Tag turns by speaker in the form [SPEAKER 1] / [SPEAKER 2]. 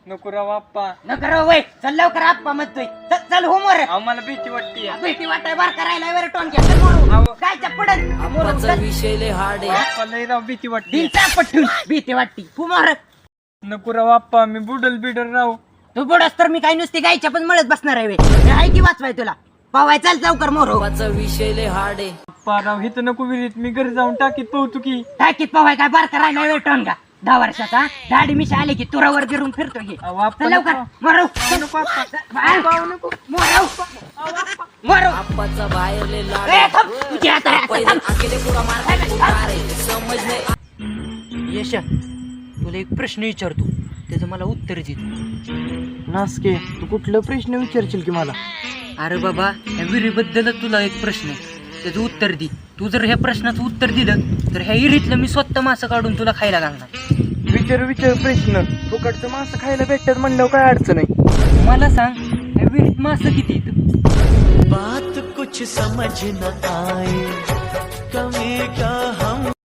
[SPEAKER 1] नको राव आप्पा.
[SPEAKER 2] नको रे वय, चल लवकर आप्पा म्हणतोय. चल होमवर.
[SPEAKER 1] अहो मला भीती वाटते.
[SPEAKER 2] भीती वाटाय बार करायला वर टोन घ्या. चल मोरू. काय चपडन?
[SPEAKER 3] आप्पाचा विषय लय हार्ड आहे.
[SPEAKER 1] आप्पा लय राव भीती वाटते.
[SPEAKER 2] दिलचा पटून भीती वाटती. होमवर.
[SPEAKER 1] नको राव आप्पा, मी बुडल बिडल राव.
[SPEAKER 2] तू बुडस तर मी काय नुसती गायच्या पण मळत बसणार आहे. मी आहे की वाचवाय तुला. पावाय चल लवकर मोरू.
[SPEAKER 3] आप्पाचा विषय लय हार्ड आहे.
[SPEAKER 1] आप्पा राव हिथं नको विहिरीत, मी घरी जाऊन टाकीत पोहतो की.
[SPEAKER 2] टाकीत पावाय काय बार करायला वर टोन घ्या. 10 वर्षाचा दाढी मिशा आले की तुरावर गिरून फिरतो घे.
[SPEAKER 1] अहो आप्पा
[SPEAKER 2] चल लवकर
[SPEAKER 1] नको.
[SPEAKER 2] मोरू.
[SPEAKER 1] नको आप्पा.
[SPEAKER 2] मोरू. मोरू.
[SPEAKER 3] आप्पाचा बाहेर लय लाड
[SPEAKER 2] ए,
[SPEAKER 3] आहे.
[SPEAKER 2] थांब. तुझी हात आहे.
[SPEAKER 3] पहिले अकेले पुरा मार समज नाही.
[SPEAKER 2] यशा, तुला एक प्रश्न विचारतो, त्याचं मला उत्तर दे.
[SPEAKER 1] नासके तू कुठलं प्रश्न विचारशील की मला?
[SPEAKER 2] अरे बाबा, या विहिरीबद्दलच तुला एक प्रश्न आहे, त्याचं उत्तर दे. तू जर ह्या प्रश्नाचं उत्तर दिलं तर ह्या विहिरीतलं मी स्वतः मासं काढून तुला खायला घालणार.
[SPEAKER 1] विचार प्रश्न. फुकटचं मासं खायला भेटतात म्हणल्यावर काय अडचण आहे?
[SPEAKER 2] मला सांग, या विहिरीत मासं किती येतं?
[SPEAKER 4] बात कुछ समझ न आए